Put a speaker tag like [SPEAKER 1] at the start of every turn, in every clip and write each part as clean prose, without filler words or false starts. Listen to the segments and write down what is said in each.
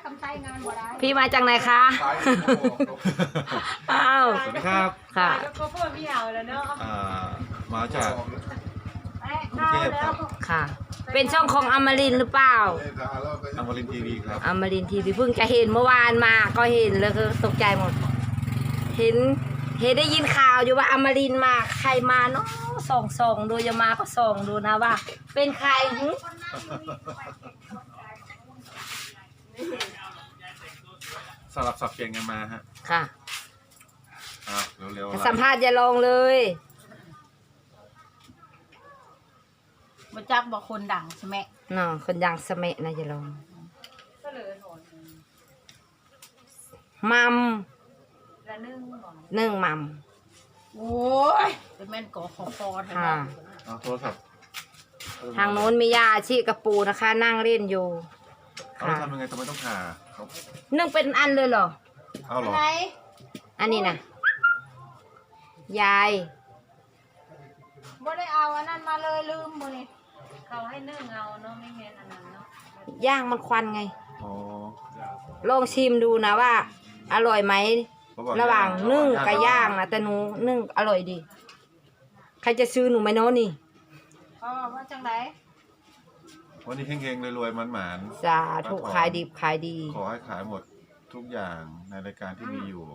[SPEAKER 1] ำไส้งานบ่ได้
[SPEAKER 2] พี่มาจากไหนคะอ้าว
[SPEAKER 3] สวัสดีครับ
[SPEAKER 2] ค่ะ
[SPEAKER 1] ก็เพิ่มพี่เอาแล้วเนาะ
[SPEAKER 3] มาจาก
[SPEAKER 1] กรุงเทพครับ
[SPEAKER 2] ค่ะ เป็นช่องของอมรินทร์หรือเปล่า
[SPEAKER 3] อมรินทีวีครับ
[SPEAKER 2] อมรินทร์ทีวีเพิ่งจะเห็นเมื่อวานมาก็เห็นแล้วก็ตกใจหมด เห็นได้ยินข่าวอยู่ว่าอมรินทร์มาใครมาเนาะส่องดูจะมาก็ส่องดูนะว่า เป็นใครหึ
[SPEAKER 3] สลับสับเปลี่ยนกันมาฮะ
[SPEAKER 2] ค่ะ
[SPEAKER 3] เร็ว
[SPEAKER 2] สัมภาษณ์อย่าลองเลย
[SPEAKER 1] มาจักบอกคนดังใช่ไหม
[SPEAKER 2] เนาะคนดังสมัยนะอย่าลอง
[SPEAKER 1] ก็เลยโหน
[SPEAKER 2] มัม
[SPEAKER 1] ละนึ่งบ่
[SPEAKER 2] นึ่งมัม
[SPEAKER 1] โอ้ยเป็นแม่นก่อขอคอแท้
[SPEAKER 2] ค่ะ
[SPEAKER 3] โทรศัพท์
[SPEAKER 2] ทางโน้นมียาอาชีกระปูนะคะ นั่งเล่นอยู่
[SPEAKER 3] เขา
[SPEAKER 2] ค่ะ
[SPEAKER 3] ทำยังไงทำไมต้องผ่าเขา
[SPEAKER 2] นึ่งเป็นอันเลยเหรอ
[SPEAKER 3] เอาเหรอ
[SPEAKER 1] อะไร
[SPEAKER 2] อันนี้นะยาย
[SPEAKER 1] บ่ได้เอาอันนั้นมาเลยลืมบ่นี่เขาให้นึ่งเอาเนาะไม่แม่นอันนั้นเนาะ
[SPEAKER 2] ย่างมันควันไง
[SPEAKER 3] อ๋อ
[SPEAKER 2] ลองชิมดูนะว่า อร่อยไหม
[SPEAKER 3] เขาบอก
[SPEAKER 2] ระหว่างนึ่งกับย่างนะแต่หนูนึ่งอร่อยดี ใครจะซื้อหนูไหมโน้นี่
[SPEAKER 1] อ๋อว่าจังได
[SPEAKER 3] วันนี้เฮงๆรวยๆหมาน
[SPEAKER 2] สาธุขายดีขายดี
[SPEAKER 3] ๆขอให้ขายหมดทุกอย่างในรายการที่มีอยู่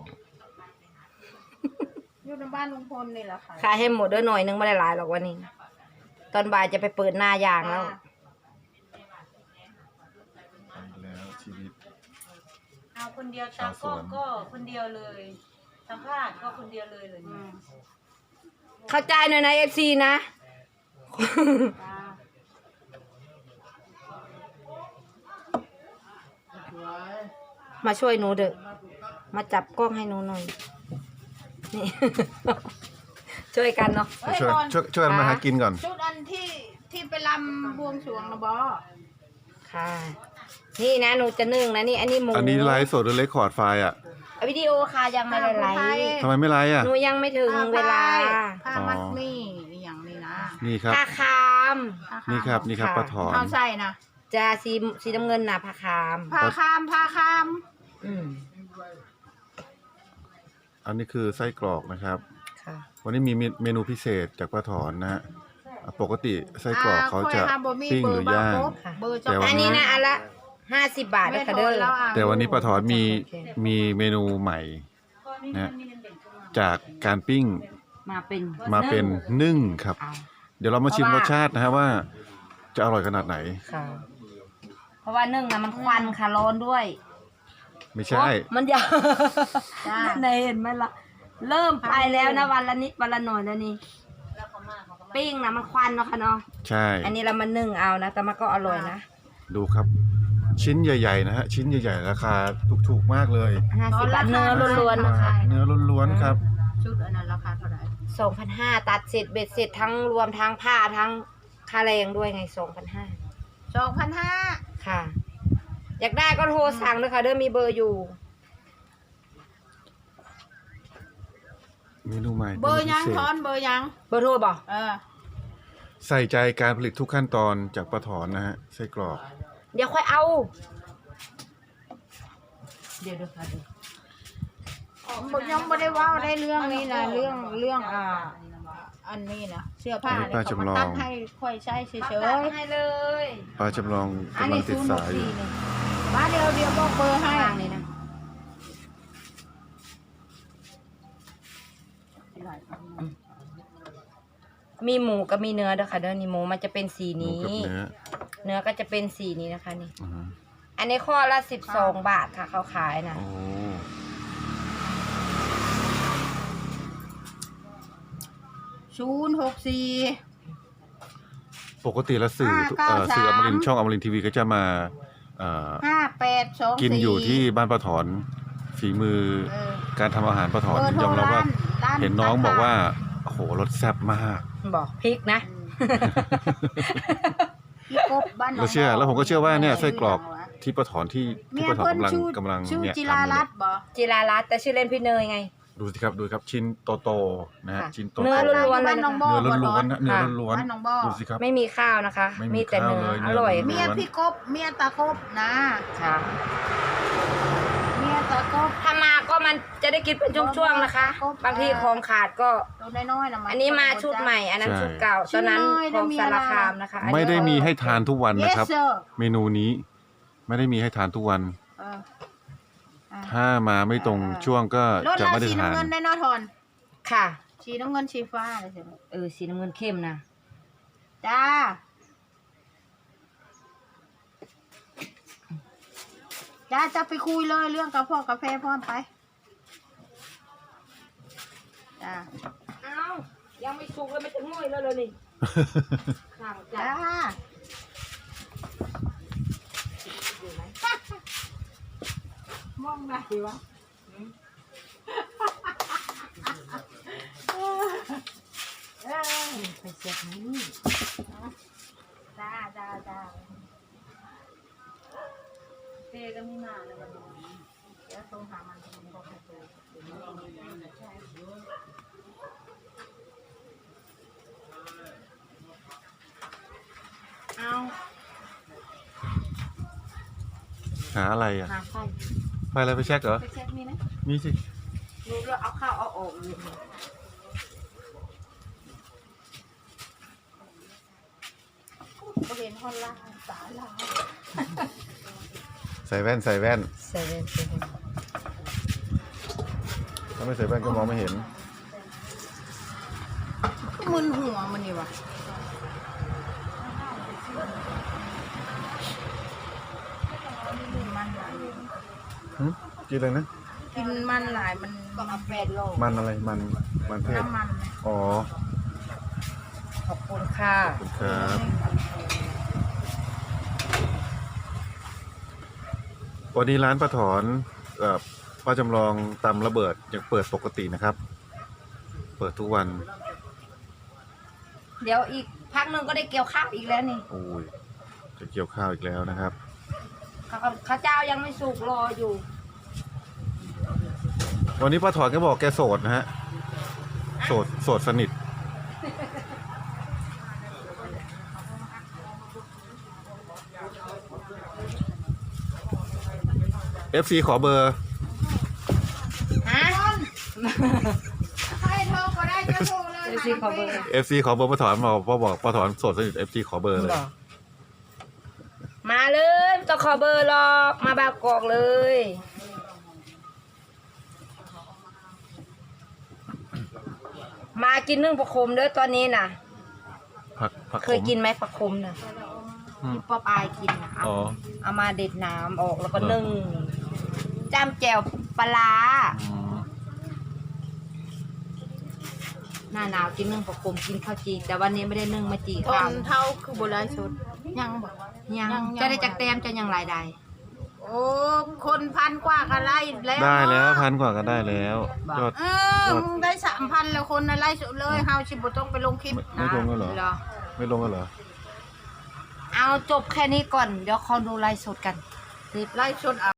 [SPEAKER 1] อยู่ในบ้านลุงพลนี่แหละค่ะ
[SPEAKER 2] ขายให้หมดด้วยหน่อยนึงไม่ได้หลายหรอกวันนี้ ตอนบ่ายจะไปเปิดหน้ายางแล้ว
[SPEAKER 3] ทำไปแล้วชีวิต
[SPEAKER 1] เอาคนเดียวตากล้องก็คนเดียวเลยสัมภาษณ์ก็คนเดียวเลยเนี่ย
[SPEAKER 2] เข้าใจหน่อยนะFC นะ มาช่วยหนูเด้อมาจับกล้องให้หนูหน่อย นี่ ช่วยกันเนาะ
[SPEAKER 3] ช่วยมาหากินก่อน
[SPEAKER 1] ชุดอันที่ไปลำบวงสรวงนะบอ
[SPEAKER 2] ค่ะ นี่นะหนูจะนึ่งนะนี่อันนี้หมู
[SPEAKER 3] อันนี้ไลฟ์สดหรือเรคคอร์ดไฟล์อ่ะ
[SPEAKER 2] วิดีโอค่ะยังไม่ได้ไลฟ์
[SPEAKER 3] ทำไมไม่ไลฟ์อ่ะ
[SPEAKER 2] หนูยังไม่ถึงเวลา
[SPEAKER 1] ผ้ามัดมี่อย่างนี้นะ
[SPEAKER 3] นี่ครับ
[SPEAKER 2] ผ้าคาม
[SPEAKER 3] นี่ครับป้าถอน
[SPEAKER 1] เอาใส่นะ
[SPEAKER 2] จะสีน้ำเงินนะผ้าคาม
[SPEAKER 1] ผ้าคาม
[SPEAKER 2] อืม
[SPEAKER 3] อันนี้คือไส้กรอกนะครับ
[SPEAKER 2] ค่ะ
[SPEAKER 3] วันนี้มีเมนูพิเศษจากป้าถอนนะฮะปกติไส้กรอกเขาจะปิ้งหรือย่าง
[SPEAKER 1] เบอร์
[SPEAKER 3] แต่ว่า
[SPEAKER 2] อันนี้นะอันละ50 บาทนะคะเด้อ
[SPEAKER 3] แต่วันนี้ป้าถอนมีเมนูใหม่นะจากการปิ้ง
[SPEAKER 2] มาเป็น
[SPEAKER 3] มาเป็นนึ่งครับ
[SPEAKER 2] เอา
[SPEAKER 3] เดี๋ยวเรามาชิมรสชาตินะฮะว่าจะอร่อยขนาดไหน
[SPEAKER 2] ค่ะ เพราะว่านึ่งนะมันควันค่ะร้อนด้วย
[SPEAKER 3] ไม่ใช่
[SPEAKER 2] มันยาวในเห็นไหมล่ะ เริ่มไปแล้วนะวันละนิดวันละหน่อยแล้วนี่ปิ้งนะมันควันเนาะค่ะเนาะ
[SPEAKER 3] ใช่
[SPEAKER 2] อันนี้เรามานึ่งเอานะ แต่มันก็อร่อยนะ
[SPEAKER 3] ดูครับ ชิ้นใหญ่ๆนะฮะชิ้นใหญ่ๆราคาถูกๆมากเลย
[SPEAKER 2] 50 บาทเนื้อล้วนๆนะคะ
[SPEAKER 3] เนื้อล้วนๆครับ
[SPEAKER 1] ชุดอันนั้นราคาเท่าไหร่
[SPEAKER 2] 2,500ตัดเสร็จเบ็ดเสร็จทั้งรวมทั้งผ้าทั้งค่าแรงด้วยไง 2,500
[SPEAKER 1] 2,500
[SPEAKER 2] ค่ะ อยากได้ก็โทรสั่งเลยค่ะเด้อมีเบอร์อยู่
[SPEAKER 3] เมนูใหม่
[SPEAKER 1] เบอร์ยัง
[SPEAKER 3] มนูพิเศษ
[SPEAKER 1] ทอนเบอร์ยัง
[SPEAKER 2] เบอร์โทรบ่
[SPEAKER 3] ใส่ใจการผลิตทุกขั้นตอนจากป้าถอนนะฮะไส้กรอก
[SPEAKER 2] เดี๋ยวค่อยเอา เดี๋ยวค่ะ
[SPEAKER 1] ยังไม่ได้ว่าได้เรื่องนี้นะเรื่องอันนี้นะเสื้อผ้าเนี่ยเขามาตัดให้ค่อยใช้เฉย
[SPEAKER 2] ให้เลย
[SPEAKER 3] ป้าจำลองกำลังติดสายอยู่
[SPEAKER 1] ๆมาเดี๋ยวบอกเบอร์ให้
[SPEAKER 2] ทางนี้นะ มีหมูกับมีเนื้อด้วยค่ะเด้อนี่หมูมันจะเป็นสี
[SPEAKER 3] หมู
[SPEAKER 2] นี้
[SPEAKER 3] กับเนื้อ
[SPEAKER 2] เนื้อก็จะเป็นสีนี้นะคะนี่
[SPEAKER 3] อือฮึ
[SPEAKER 2] อันนี้ข้อละ12 บาทค่ะเขาขายนะ
[SPEAKER 3] โอ้
[SPEAKER 1] 064
[SPEAKER 3] ปกติแล้วสื่อ
[SPEAKER 1] 593
[SPEAKER 3] สื่ออมรินทร์ช่องอมรินทร์ทีวีก็จะมา
[SPEAKER 1] 5824
[SPEAKER 3] กินอยู่ที่บ้านป้าถอนฝีมือการทำอาหารป้าถอนยอมรับว่าเห็นน้องบอกว่าโอ้โหรสแซ่บมาก
[SPEAKER 2] บอกพริกนะ
[SPEAKER 1] พี่กบบ้านหนอง
[SPEAKER 3] เราเชื่อแล้วผมก็เชื่อว่าเนี่ยไส้กรอก
[SPEAKER 1] เ
[SPEAKER 3] ที่ป้าถอนที่
[SPEAKER 1] มีย
[SPEAKER 3] ป้าถอน
[SPEAKER 1] เพิ่น
[SPEAKER 3] กำลัง
[SPEAKER 1] ชื่อ
[SPEAKER 3] เนี่ย
[SPEAKER 1] จิรา
[SPEAKER 3] ทำอยู่
[SPEAKER 1] รั
[SPEAKER 3] เนี่
[SPEAKER 1] ต
[SPEAKER 3] ย
[SPEAKER 1] น์บ่
[SPEAKER 2] จิรารัตน์แต่ชื่อเล่นพี่เนยไง
[SPEAKER 3] ดูสิครับดูครับชิ้นโตๆนะฮะ
[SPEAKER 2] ค่ะ
[SPEAKER 3] ชิ้นโต
[SPEAKER 2] เนื้อ
[SPEAKER 3] ๆ
[SPEAKER 2] ล้วนๆเลย
[SPEAKER 1] บ้านหนองบ่
[SPEAKER 3] เนื้อล้วนๆนะเนื้อล้วน
[SPEAKER 1] บ้านหนองบ่อ
[SPEAKER 3] ๆดูสิครับ
[SPEAKER 2] ไม่มีข้าวนะคะ
[SPEAKER 3] ไม่มี
[SPEAKER 2] มีแต่เนื้อ
[SPEAKER 3] ข้าวเลย
[SPEAKER 2] อร่อย
[SPEAKER 3] เนื้
[SPEAKER 1] เมียพี่กบเมียตาคบนะ
[SPEAKER 2] ค่ะมันจะได้กินเป็นช่วงๆนะคะ บางทีของขาดก็
[SPEAKER 1] ตัวน้อยๆนะ
[SPEAKER 2] อันนี้มาชุดใหม่ อันนั้นชุดเก่าตอนนั้นของสารคามนะคะอันนี้
[SPEAKER 3] ไม่ได้มีให้ทานทุกวันนะครับ
[SPEAKER 1] Yes, sir
[SPEAKER 3] เมนูนี้ไม่ได้มีให้ทานทุกวัน
[SPEAKER 1] เออ
[SPEAKER 3] ถ้ามาไม่ตรงช่วงก็
[SPEAKER 1] รถ
[SPEAKER 3] จะ
[SPEAKER 1] ลา
[SPEAKER 3] ไม่ได้
[SPEAKER 1] สี
[SPEAKER 3] ทาน
[SPEAKER 1] น้ำเงินได้เนอทอน
[SPEAKER 2] ค่ะ
[SPEAKER 1] สีน้ำเงินสีฟ้าอะไรสิ
[SPEAKER 2] สีน้ำเงินเข้มนะ
[SPEAKER 1] จ้าจ้าจะไปคุยเลยเรื่องกาแฟกาแฟพร้อมไปจ้า
[SPEAKER 2] เอ้ายังไม่สุกเลยไม่ถึงง่อยแล้วเลยนี่ข้างจ้า
[SPEAKER 1] จ้า มองไหนวะ
[SPEAKER 2] ไปเสียบนี่
[SPEAKER 1] จ้าจ้าจ้า
[SPEAKER 2] เตก็ไม่มาเลยวันนี้
[SPEAKER 1] เดี๋ยวโทรหามันบอกให้โทรเอา
[SPEAKER 3] หาอะไรอ่ะ
[SPEAKER 2] หาไฟ
[SPEAKER 3] ไปอะไรไปเช็คเหรอ
[SPEAKER 2] ไปเช็คมีไหม
[SPEAKER 3] มีสิ
[SPEAKER 2] รู้แล้วเอาข้าวเอาออกเลย
[SPEAKER 1] ก็เห็นฮอนล่าสาลา
[SPEAKER 3] ใส่แว่นใส่แว่น
[SPEAKER 2] เซเว่น
[SPEAKER 3] ถ้าไม่ใส่แว่นก็มองไม่เห็น
[SPEAKER 1] มึนหัวมันนี่วะมันหลาย
[SPEAKER 3] กินอะไรนะ
[SPEAKER 1] กินมันหลายมันก็เอา8 โล
[SPEAKER 3] มันอะไร มันเทศ
[SPEAKER 1] น้ำมันนะ
[SPEAKER 3] อ๋อ
[SPEAKER 2] ขอบคุณค่ะ
[SPEAKER 3] ขอบคุณครับ วันนี้ร้านป้าถอนกับป้าจำลองตำระเบิดยังเปิดปกตินะครับ เปิดทุกวัน
[SPEAKER 2] เดี๋ยวอีกพักหนึ่งก็ได้เกี่ยวข้าวอีกแล้วนี่
[SPEAKER 3] โอ้ยจะเกี่ยวข้าวอีกแล้วนะครับ
[SPEAKER 2] ข้าวเจ้ายังไม่สุกรออยู่
[SPEAKER 3] วันนี้ป้าถอนก็บอกแกโสดนะฮะ โสดสนิท FC ขอเบอร์
[SPEAKER 2] ฮะ
[SPEAKER 1] ใครโทรก็ได้จะโทรเลย
[SPEAKER 2] FC ขอเบอร์
[SPEAKER 3] FC ขอเบอร์ป้าถอนบอกป้าถอนโสดสนิท FC ขอเบอร์เลย
[SPEAKER 2] มาเลยไม่ต้องขอเบอร์หรอกมาบางกอกเลย มากินนึ่งปลาคมเด้อตอนนี้น่ะ
[SPEAKER 3] ผัก
[SPEAKER 2] เคยกินไหมปลาคมน่ะ
[SPEAKER 3] อืม
[SPEAKER 2] ป๊อปอายกินน่ะ
[SPEAKER 3] อ๋อ
[SPEAKER 2] เอามาเด็ดน้ำออกแล้วก็นึ่งจ้ำแจ่วปลาร้า
[SPEAKER 3] อืม
[SPEAKER 2] หน้าหนาวกินนึ่งปลาคมกินข้าวจีแต่วันนี้ไม่ได้นึ่งมาจี
[SPEAKER 1] ท
[SPEAKER 2] ข้าวน
[SPEAKER 1] เท่าคือโบราณสุดยังบอก
[SPEAKER 2] ยัง
[SPEAKER 1] ยัง
[SPEAKER 2] จะได้จากแต้มจะยังรายได้
[SPEAKER 1] โอ้คนพันกว่ากันไล่แล้ว
[SPEAKER 3] ได้แล้ว1,000 กว่าก็ได้แล้วยอด
[SPEAKER 1] มึงได้3,000แล้วคนนะไล่สุดเลยเฮาชิบุต้องไปลงคลิป
[SPEAKER 3] ไม่ลงแล้วเหรอ
[SPEAKER 2] เหรอ
[SPEAKER 3] ไม่ลงแล้วเหรอ
[SPEAKER 2] เอาจบแค่นี้ก่อน เดี๋ยวขอดูไลฟ์สดกัน
[SPEAKER 1] ไล่สุด